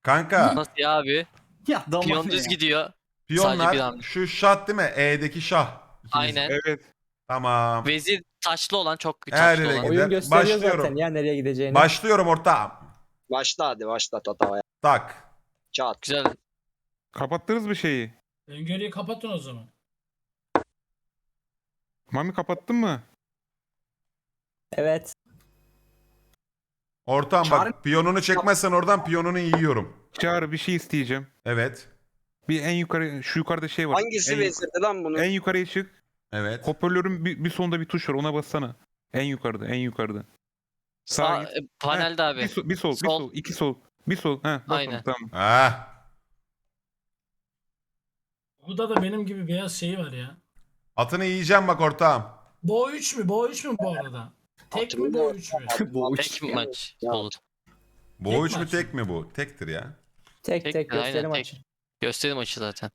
Kanka Nasıl ya abi? Ya dama Piyon ne düz ya? gidiyor. Sadece bir piyonlar hamle. şu şah değil mi? E'deki şah. İkimiz. Aynen. Evet. Tamam. Vezir taşlı olan, çok Her taşlı yere olan. gider. Oyun gösteriyor Başlıyorum. zaten ya nereye gideceğini. Başlıyorum ortağım. Başla hadi başla tatavaya. Tak. Çat. Güzel. Kapattınız mı şeyi? Öngörüyü kapatın o zaman. Mami kapattın mı? Evet. Ortağım Çağrı- bak piyonunu çekmezsen oradan piyonunu yiyorum. Çağrı bir şey isteyeceğim. Evet. Bir en yukarı, şu yukarıda şey var. Hangisi en, vezirdi lan bunu? en yukarıya çık. Evet. Hoparlörün bir sonunda bir tuş var, ona bassana. En yukarıda, en yukarıda. Sağ, git. panelde abi. Bir sol, bir sol, bir Sol. sol, iki sol. Bir sol. Heh, bas Aynen. onu, tamam. Ah. Burada da benim gibi beyaz şeyi var ya. Atını yiyeceğim bak ortağım. Bo 3 mü? Bo 3 mü bu arada? Tek Atımı mi da- Bo 3 mü? Bu Tek maç Ya. olur. Bu Tek 3 mü maç. tek mi bu? Tektir ya. Tek Tek, gösterim aynen, tek. açın. Gösteri maçı zaten.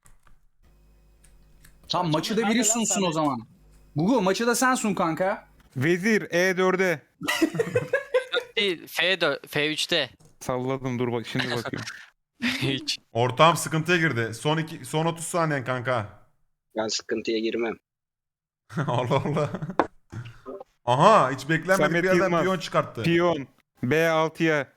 Tam maçı da Hadi biri lan sunsun Samet. o zaman. Gugu maçı da sen sun kanka. Vezir E4'e. Değil, F4, F3'te. Salladım, dur bak şimdi bakıyorum. Hiç. Ortağım sıkıntıya girdi. Son 30 saniyen kanka. Ben sıkıntıya girmem. Allah Allah. Aha hiç beklenmedik Samet bir yerden Yılmaz. piyon çıkarttı. Piyon. B6'ya.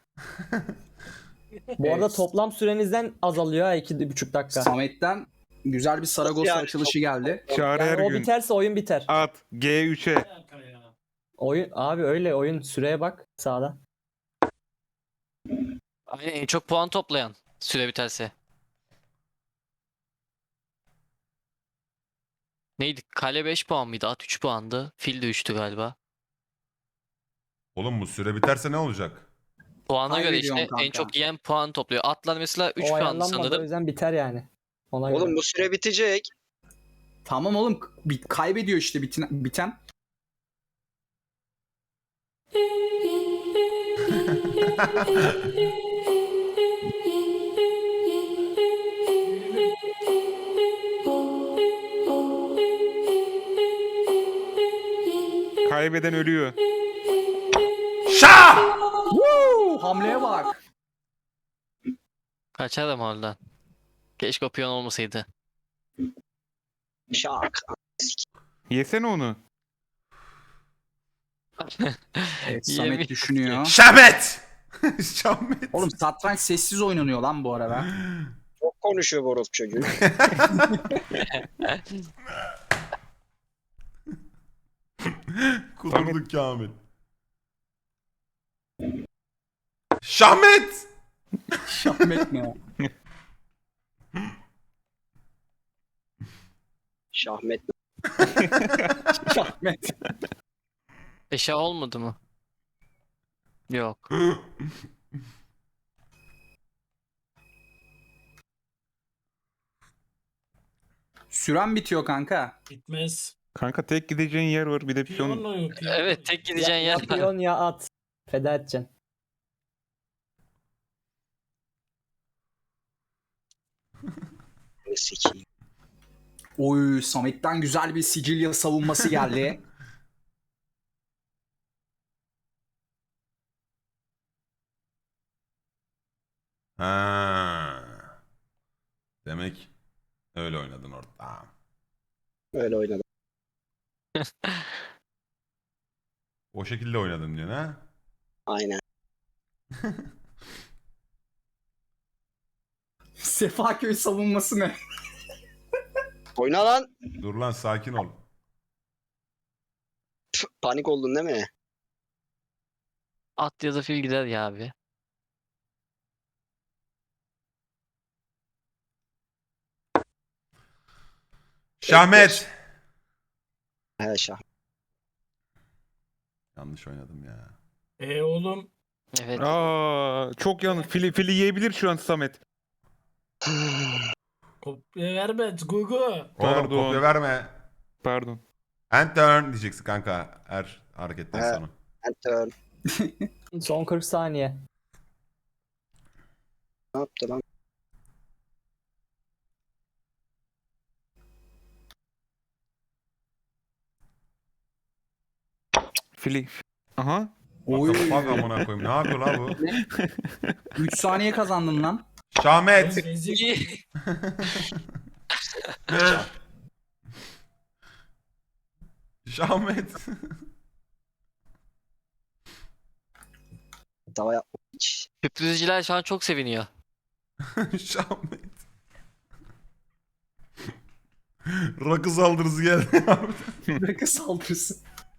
Bu arada Evet. toplam sürenizden azalıyor ha 2,5 dakika. Samet'ten güzel bir Saragossa Yani açılışı geldi. Çağrı Yani o Ergün. biterse oyun biter. At. G3'e. Bir dakika ya. Oyun abi öyle oyun süreye bak sağda. Aynen, en çok puan toplayan süre biterse. Neydi? Kale 5 puan mıydı? At 3 puandı. Fil de 3'tü galiba. Oğlum bu süre biterse ne olacak? Puana göre Kaybediyorsun işte en kanka. çok yiyen puan topluyor. Atlar mesela 3 O puandı ayarlanmadı o sanırım. yüzden biter yani. Ona göre. Oğlum bu süre bitecek. Tamam oğlum kaybediyor işte biten. Kaybeden ölüyor. Şah! Hamleye bak. Kaçarım oradan. Keşke o piyon olmasaydı. Şak. Yesene onu. Evet, Yemin- Samet düşünüyor. Şahmet! Şahmet. Oğlum satranç sessiz oynanıyor lan bu arada. Çok konuşuyor bu çocuğu. Kudurduk Kamil. Şahmet! Şahmet ne? Şahmet. Şahmet. Eşya olmadı mı? Yok. Süren bitiyor kanka. Bitmez. Kanka tek gideceğin yer var, bir de piyon. Piyonla piyon. Evet, tek gideceğin ya yer. piyon ya at. Feda edeceksin. Sikiyim. Oy, Samet'ten güzel bir Sicilya savunması geldi. Ha. Demek öyle oynadın ortağım. Öyle oynadım. O şekilde oynadın diyorsun ha? Aynen. Sefaköy savunması ne? Oyna lan. Dur lan sakin ol. Panik oldun değil mi? At ya da fil gider ya abi. Şahmet! He şah. Yanlış oynadım ya. Oğlum. Evet. Çok yanlış. Fili yiyebilir şu an Samet. Kopya verme Gugu. Oğlum Pardon. kopya verme. Pardon. And turn diyeceksin kanka her hareketten Evet. sonra. Enter. Son 40 saniye. Ne yaptı lan? Fili. Aha. Oy. Bak amına koyayım. Ne yapıyor la bu? 3 saniye kazandın lan. Şahmet. Vezir. Şahmet. Tava yapma hiç. Sürprizciler şu an çok seviniyor. Şahmet. Rakı saldırısı geldi abi. Rakı saldırısı.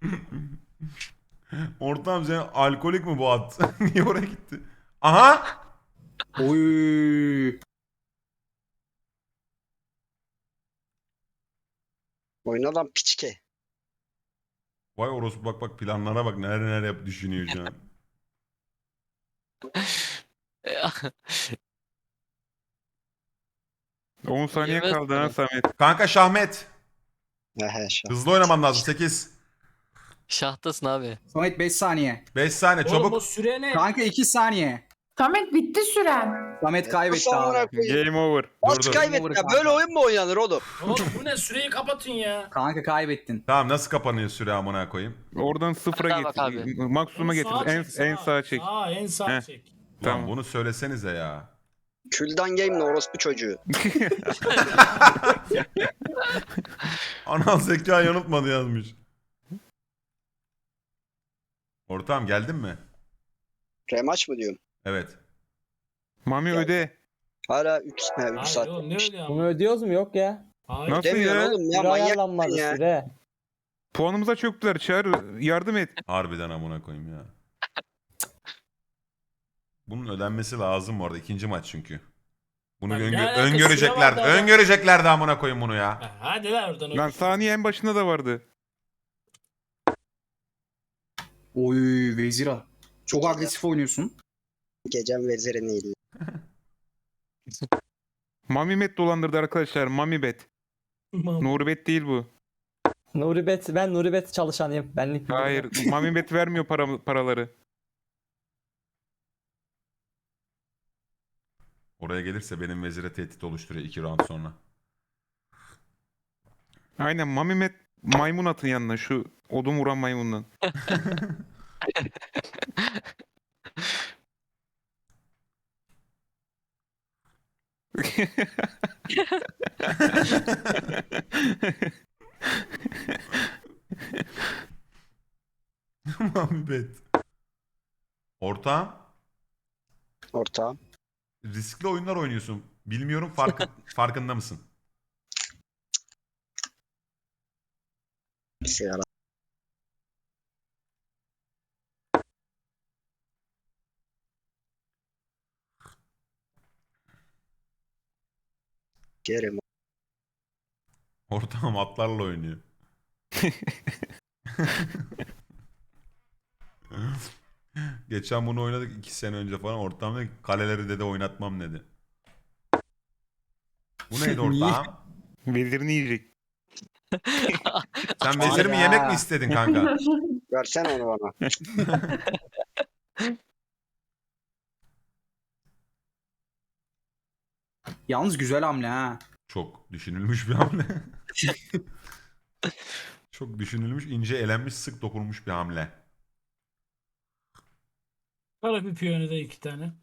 Ortam sen alkolik mi bu at? Niye oraya gitti? Aha! Oy. Oyna lan piçke. Vay orospu bak planlara bak neler yap düşünüyor şu an. Hı. 10 saniye Yemez kaldı ha mi? Samet. Kanka Şahmet. He şah. Hızlı oynaman lazım 8. Şahtasın abi. Samet 5 saniye. 5 saniye Oğlum o çabuk. süre ne? Kanka 2 saniye. Samet bitti süren. Samet kaybetti Nasıl amına abi. koyayım? Game over. Nasıl dur. kaybettin ya? Böyle oyun mu oynanır oğlum? Oğlum bu ne? Süreyi kapatın ya. Kanka kaybettin. Tamam nasıl kapanıyor süre amına koyayım? Oradan sıfıra Hadi bak abi. getir. Maksimuma getir. Sağa En, çek, en sağa çek. Sağa en sağa Heh. çek. Lan Tamam. bunu söylesenize ya. Küldan game orospu çocuğu. Anal zeka yanıltmadı yazmış. Ortam geldin mi? Remaç mı diyorum? Evet. Mami Ya. öde. Hala 3 Hayır saat. oğlum ne öyle Bunu ama? ödüyoruz mu? Yok ya. Hayır. Nasıl Demiyorsun ya? oğlum ya Süre manyak ayarlanmadı mısın ya? süre. Puanımıza çöktüler. Çağır yardım et. Harbiden amına koyayım ya. Bunun ödenmesi lazım bu arada. İkinci maç çünkü. Bunu Lan ne alakası öngörecekler. var da adam? Öngörecekler de amına koyayım bunu ya. Ha, hadi lan oradan. Lan saniye en başında da vardı. Oy Vezira. Çok agresif oynuyorsun. Gecem vezirini değil. Mami Bet dolandırdı arkadaşlar. Mami Bet. Nuri Bet değil bu. Ben Nuribet çalışanıyım. Benlik bir Hayır. Mami Bet vermiyor paraları. Oraya gelirse benim vezire tehdit oluşturuyor 2 round sonra. Aynen Mami Bet maymun atın yanına. Şu odun vuran maymundan. Muhabbet. Ortağım Ortağım. riskli oyunlar oynuyorsun. Bilmiyorum farkında mısın? Sigara. Gerim. Ortağım atlarla oynuyor. Geçen bunu oynadık 2 sene önce falan. Ortağım dedi ki, kaleleri dedi oynatmam dedi. Bu neydi Niye? ortağım? Vezirini yiyecek. Sen vezirimi yemek mi istedin kanka? Versene onu bana. Yalnız güzel hamle ha. Çok düşünülmüş bir hamle. Çok düşünülmüş, ince elenmiş, sık dokunmuş bir hamle. Kara bir piyonu da 2 tane.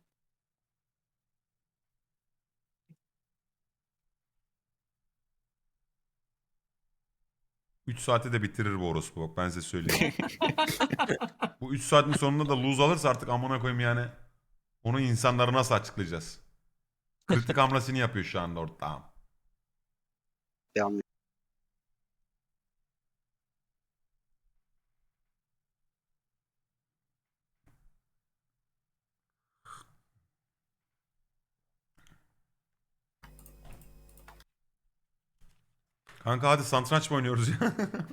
Üç saate de bitirir bu orospu bak ben size söyleyeyim. Bu 3 saatin sonunda da lose alırsa artık amına koyayım yani. Onu insanlara nasıl açıklayacağız? Kritik hamlesini yapıyor şu anda ortağım. Bir hamle. Kanka hadi satranç mı oynuyoruz ya?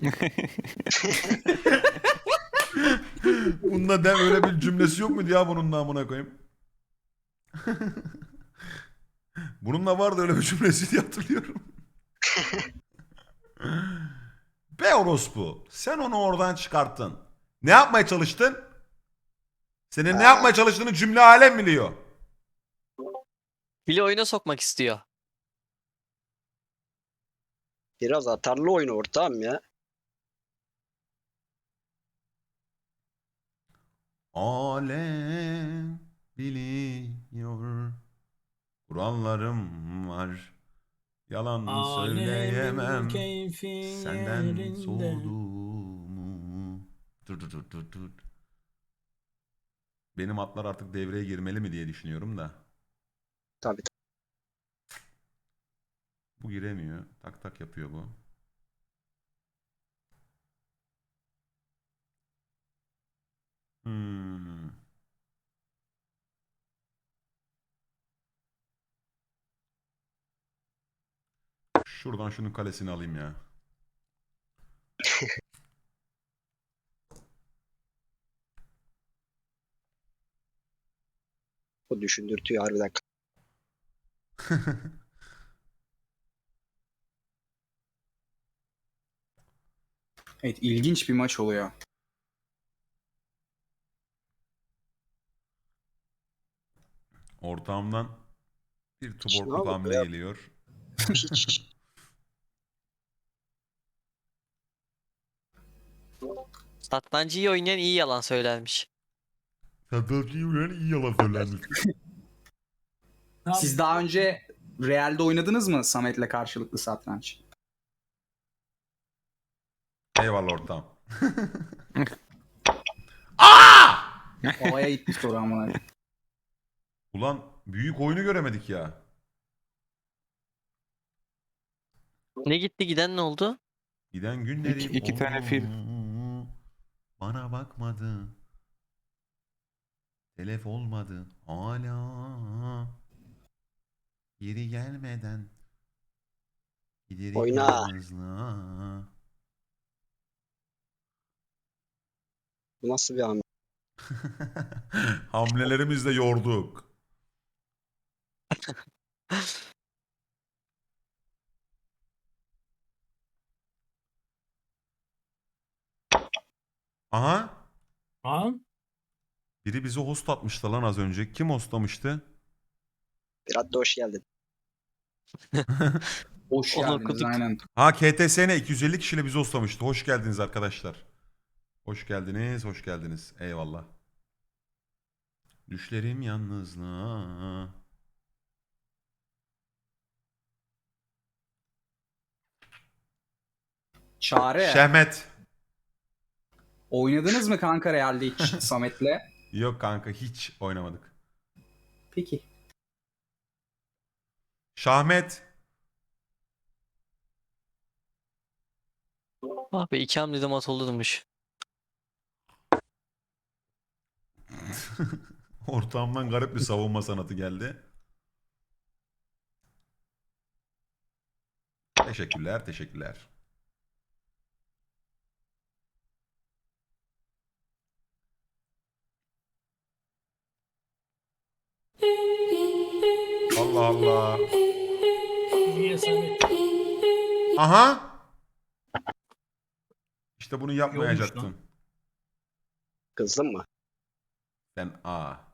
Bunda de öyle bir cümlesi yok muydu ya bunun da amına koyayım? Bununla vardı öyle bir cümlesi diye hatırlıyorum. Be orospu. Sen onu oradan çıkarttın. Ne yapmaya çalıştın? Senin ne yapmaya çalıştığını cümle alem biliyor. Bile oyuna sokmak istiyor. Biraz atarlı oyun ortağım ya. Alem biliyor. Kurallarım var. Yalan söyleyemem. Alemin keyfi Senden yerinde. soğuduğumu. Dur. Benim atlar artık devreye girmeli mi diye düşünüyorum da. Tabii. Bu giremiyor. Tak tak yapıyor bu. Hmm. Şuradan şunun kalesini alayım ya. Bu düşündürtüyor harbiden. Evet, ilginç bir maç oluyor. Ortağımdan bir Ne tuborkluk oldu hamle ya? geliyor. Hiç. Satrancı iyi oynayan iyi yalan söylermiş. Satılcıyı uyan iyi yalan söylenmiş. Tamam. Siz daha önce Real'de oynadınız mı Samet'le karşılıklı satranç? Eyvallah ortağım. Havaya gitti soru ama. Ulan büyük oyunu göremedik ya. Ne gitti giden ne oldu? Giden günleri İki tane fil. Bana bakmadı. Telef olmadı. Hala. Geri gelmeden. Giderim Oyna. yalnızlığa. Bu nasıl bir hamle? Hamlelerimizle yorduk. Aha. Ha? Biri bizi host atmıştı lan az önce. Kim hostlamıştı? Biraz da hoş geldin. Hoş Onu geldiniz okuduk. aynen. Ha KTSN 250 kişiyle bizi hostlamıştı. Hoş geldiniz arkadaşlar. Hoş geldiniz, hoş geldiniz. Eyvallah. Düşlerim yalnızlığa. Çare. Şehmet. Oynadınız mı kanka Real'de hiç Samet'le? Yok kanka hiç oynamadık. Peki. Şahmet. Ah be 2 hamlede mat olurmuş. Ortağımdan garip bir savunma sanatı geldi. Teşekkürler, teşekkürler. Allah Allah. Niye Samet? Aha. İşte bunu Yolmuş yapmayacaktın. lan. Kızdın mı? Sen A.